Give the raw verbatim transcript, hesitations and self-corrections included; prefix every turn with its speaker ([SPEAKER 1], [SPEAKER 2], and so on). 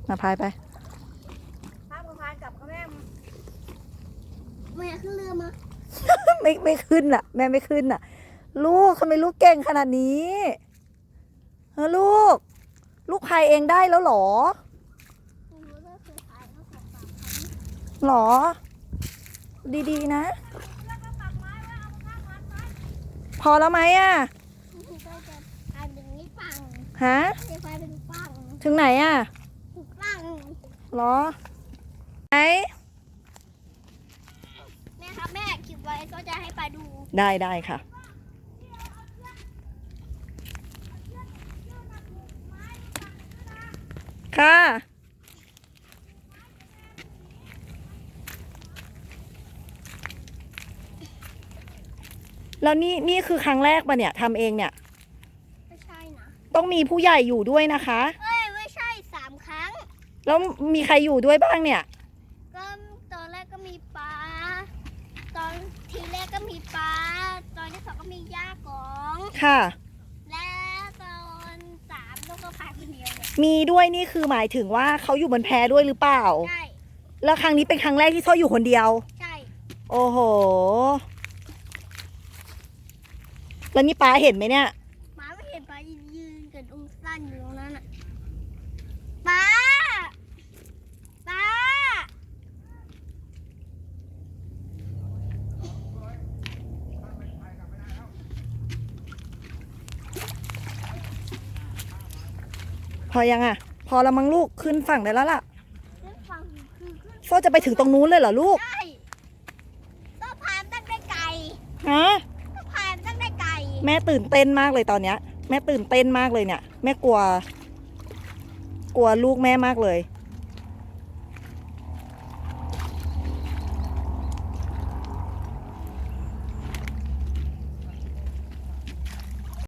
[SPEAKER 1] มาพายไป
[SPEAKER 2] พาพายกลับกับแม่แม่ขึ้นเรือมา
[SPEAKER 1] ไม่ไม่ขึ้นอ่ะแม่ไม่ขึ้นอ่ะลูกทำไมลูกเก่งขนาดนี้เออลูกลูกพายเองได้แล้วหรอหรอดีๆนะพอแล้วไหมอ่ะฮะถึงไหนอ่ะหรอไหน
[SPEAKER 2] แม่ครับแม่คลิปไว้ก็จะให้ไปดู
[SPEAKER 1] ได้ได้ค่ะค่ะแล้วนี่นี่คือครั้งแรกปะเนี่ยทำเองเนี่ย
[SPEAKER 2] ไม่ใช่นะ
[SPEAKER 1] ต้องมีผู้ใหญ่อยู่ด้วยนะคะ
[SPEAKER 2] เอ้ยไม่ใช่สามครั้ง
[SPEAKER 1] แล้วมีใครอยู่ด้วยบ้างเนี่ย
[SPEAKER 2] ก็ตอนแรกก็มีป้าตอนทีแรกก็มีป้าตอนที่สองก็มีย่ากอง
[SPEAKER 1] ค่ะ
[SPEAKER 2] และตอนสามลูกก็พายคนเดียวเลย
[SPEAKER 1] มีด้วยนี่คือหมายถึงว่าเขาอยู่บนแพด้วยหรือเปล่า
[SPEAKER 2] ใช่
[SPEAKER 1] แล้วครั้งนี้เป็นครั้งแรกที่เขาอยู่คนเดียว
[SPEAKER 2] ใช่
[SPEAKER 1] โอ้โหแล้วนี่ป้าเห็นไหมเนี่ย
[SPEAKER 2] ป้าไม่เห็นป้ายืนกับองสั้นอยู่ตรงนั้นอ่ะป้าป้า
[SPEAKER 1] พอยังอ่ะพอแล้วมั้งลูกขึ้นฝั่งได้แล้วล่ะ
[SPEAKER 2] ขึ้นฝั่งคือขึ้น
[SPEAKER 1] โฟจะไปถึงตรงนู้นเลยเหรอลูก
[SPEAKER 2] ใช่ต้องพายตั้งได้ไกล
[SPEAKER 1] ฮะ
[SPEAKER 2] ต้องพายตั้งได้ไกล
[SPEAKER 1] แม่ตื่นเต้นมากเลยตอนเนี้ยแม่ตื่นเต้นมากเลยเนี่ยแม่กลัวกลัวลูกแม่มากเลย